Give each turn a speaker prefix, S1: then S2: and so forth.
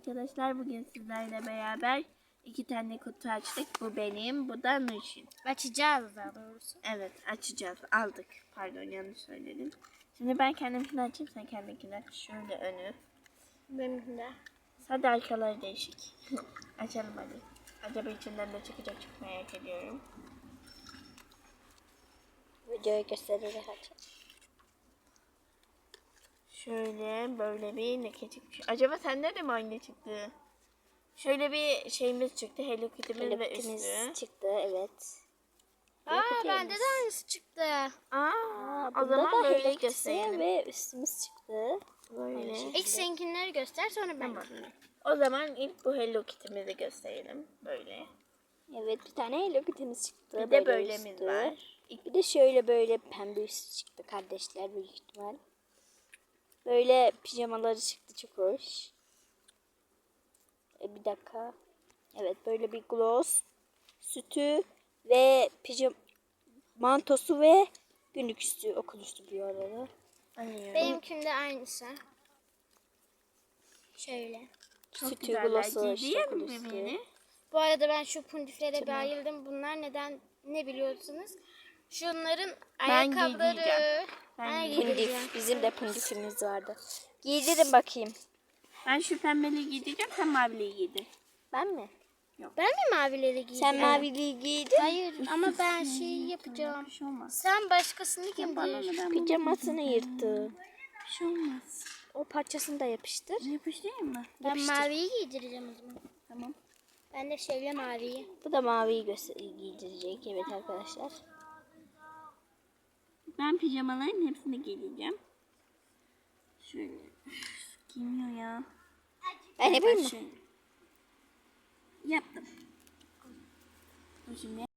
S1: Arkadaşlar bugün sizlerle beraber 2 tane kutu açtık. Bu benim, bu da Nurşin.
S2: Açacağız daha doğrusu.
S1: Evet, açacağız. Aldık. Pardon, yanlış söyledim. Şimdi ben kendimkini açayım, sen kendininkini aç. Şöyle önü.
S2: Benimki de.
S1: Sadece arkaları değişik. Açalım hadi. Acaba içinden ne çıkacak, çok merak ediyorum.
S2: Videoyu göstererek açalım.
S1: Şöyle böyle bir leke çıkmış. Acaba sende de mi aynı çıktı? Şöyle bir şeyimiz çıktı. Hello Kitty'miz ve üstü.
S2: Çıktı, evet.
S1: Bende
S2: de aynısı çıktı.
S1: O zaman böyle
S2: gösterelim.
S1: gösterelim.
S2: Ve üstümüz çıktı.
S1: Böyle.
S2: İlk seninkileri göster, sonra ben.
S1: Tamam. O zaman ilk bu Hello Kitty'mizi gösterelim. Böyle.
S2: Evet, bir tane Hello Kitty'miz çıktı.
S1: Bir de böylemiz var.
S2: Bir de şöyle böyle pembe üstü çıktı kardeşler büyük ihtimal. Böyle pijamaları çıktı, çok hoş. Bir dakika. Evet, böyle bir gloss, sütü ve mantosu ve günlük üstü, okul üstü bir arada. Benimkinde aynısı. Şöyle.
S1: Çok
S2: Sütü,
S1: güzeller.
S2: glossu,
S1: Giydiğim
S2: okul
S1: mi
S2: üstü.
S1: beni?
S2: Bu arada ben şu pundiflere bayıldım. Bunlar ne biliyorsunuz? Şunların ayakkabıları.
S1: giyeceğim.
S2: Ben pundif. Bizim de pundifimiz vardı. Giydirin bakayım.
S1: Ben şu pembeliği giyeceğim, sen maviliği giydin.
S2: Ben mi?
S1: Yok.
S2: Ben mi mavileri giydim? Sen maviliği giydin. Hayır ama ben yapacağım.
S1: Bir şey olmaz.
S2: Sen başkasını
S1: giydir.
S2: Pijamasını yırttı.
S1: Bir şey olmaz.
S2: O parçasını da yapıştır.
S1: Yapıştırayım mı?
S2: Ben maviyi giydireceğim o zaman.
S1: Tamam.
S2: Ben de şöyle maviyi. Bu da maviyi giydirecek. Evet arkadaşlar.
S1: Ben pijamaların hepsini giyeceğim. Şöyle. Giymiyor ya.
S2: Ben yapayım mı?
S1: Yaptım. Dur şimdi.